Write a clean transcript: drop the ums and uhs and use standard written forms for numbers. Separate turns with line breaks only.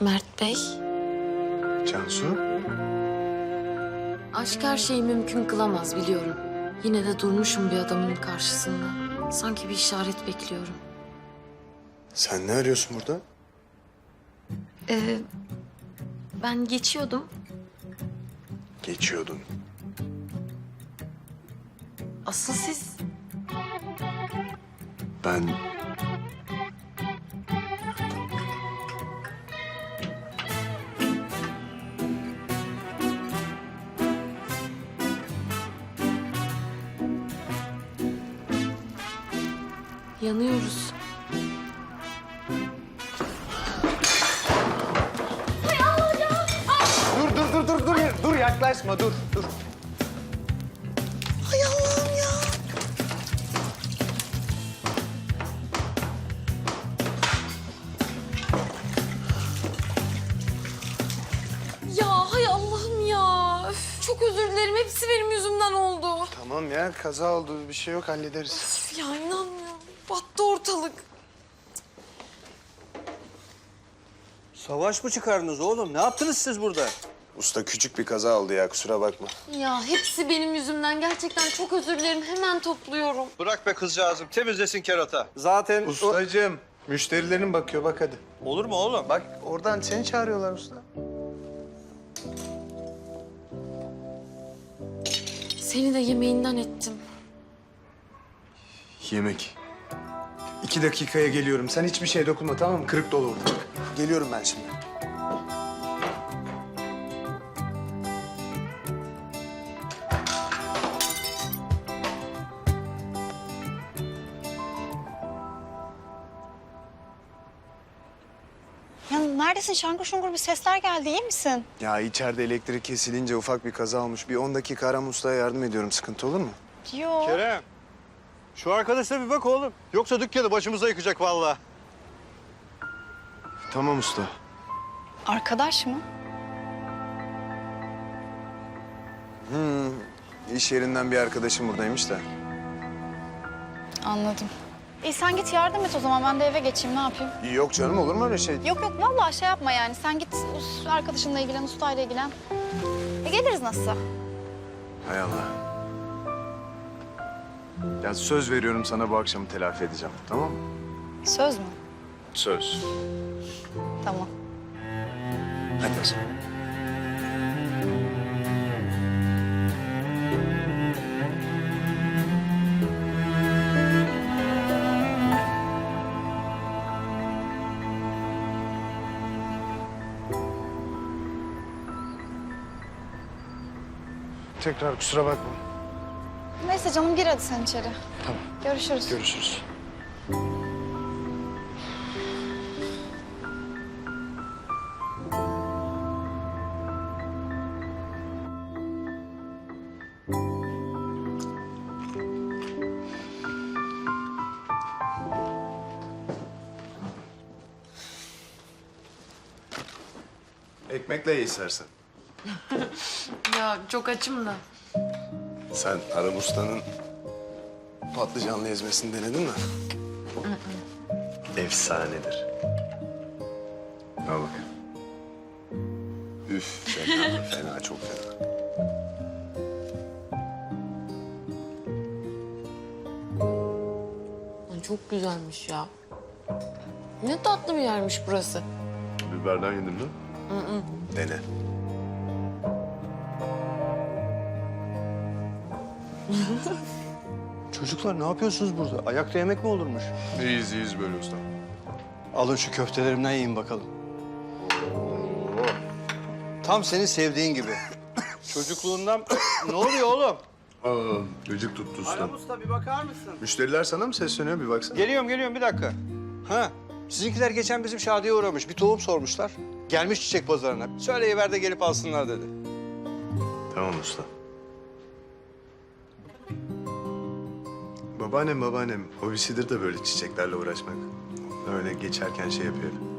Mert Bey,
Cansu?
aşk her şeyi mümkün kılamaz biliyorum. Yine de durmuşum bir adamın karşısında. Sanki bir işaret bekliyorum.
Sen ne arıyorsun burada?
Ben geçiyordum.
Geçiyordun.
Asıl siz...
Ben...
Yanıyoruz.
Dur yaklaşma dur.
Hay Allah'ım ya.
Ya hay Allah'ım ya. Öf, çok özür dilerim. Hepsi benim yüzümden oldu.
Tamam ya, kaza oldu. Bir şey yok, hallederiz.
Üf, ya inanmıyorum. Battı ortalık.
Savaş mı çıkardınız oğlum? Ne yaptınız siz burada?
Usta küçük bir kaza oldu ya, kusura bakma.
Ya hepsi benim yüzümden. Gerçekten çok özür dilerim. Hemen topluyorum.
Bırak be kızcağızım. Temizlesin kerata. Zaten...
Ustacığım, müşterilerin bakıyor, bak hadi.
Olur mu oğlum?
Bak oradan seni çağırıyorlar usta.
Seni de yemeğinden ettim.
Yemek. 2 dakikaya geliyorum. Sen hiçbir şeye dokunma, tamam mı? Kırık dolu orada. Geliyorum ben şimdi.
Ya neredesin? Şangır şungur bir sesler geldi. İyi misin?
Ya içeride elektrik kesilince ufak bir kaza olmuş. Bir 10 dakika Aram Usta'ya yardım ediyorum. Sıkıntı olur mu?
Yok.
Kerem. Şu arkadaşa bir bak oğlum. Yoksa dükkanı başımıza yıkacak vallahi.
Tamam usta.
Arkadaş mı?
İş yerinden bir arkadaşım buradaymış da.
Anladım. İyi sen git yardım et o zaman. Ben de eve geçeyim. Ne yapayım?
Yok canım, olur mu öyle şey?
Yok vallahi şey yapma yani. Sen git arkadaşınla ilgilen, ustayla ilgilen. Geliriz nasılsa.
Hay Allah. Ya söz veriyorum sana, bu akşamı telafi edeceğim. Tamam mı?
Söz mü?
Söz.
Tamam.
Hadi o zaman. Tekrar kusura bakma.
Neyse canım gir hadi sen içeri.
Tamam.
Görüşürüz.
Görüşürüz. Ekmekle ye istersen.
Ya çok açım da.
Sen Arap Usta'nın patlıcanlı ezmesini denedin mi? Efsanedir. Al bak. Üf, fena, fena, çok fena.
Ay, çok güzelmiş ya. Ne tatlı bir yermiş burası.
Biberden yedin mi? Dene.
Çocuklar ne yapıyorsunuz burada? Ayakta yemek mi olurmuş?
İyiyiz, iyiyiz böyle usta.
Alın şu köftelerimden yiyin bakalım. Tam senin sevdiğin gibi. Çocukluğundan... Ne oluyor oğlum?
Aa, gıcık tuttu usta.
Aram Usta bir bakar mısın?
Müşteriler sana mı sesleniyor, bir baksana.
Geliyorum bir dakika. Ha, sizinkiler geçen bizim Şadi'ye uğramış. Bir tohum sormuşlar. Gelmiş çiçek pazarına. Söyleyiver de gelip alsınlar dedi.
Tamam usta. Babaannem hobisidir de böyle çiçeklerle uğraşmak. Öyle geçerken şey yapıyor.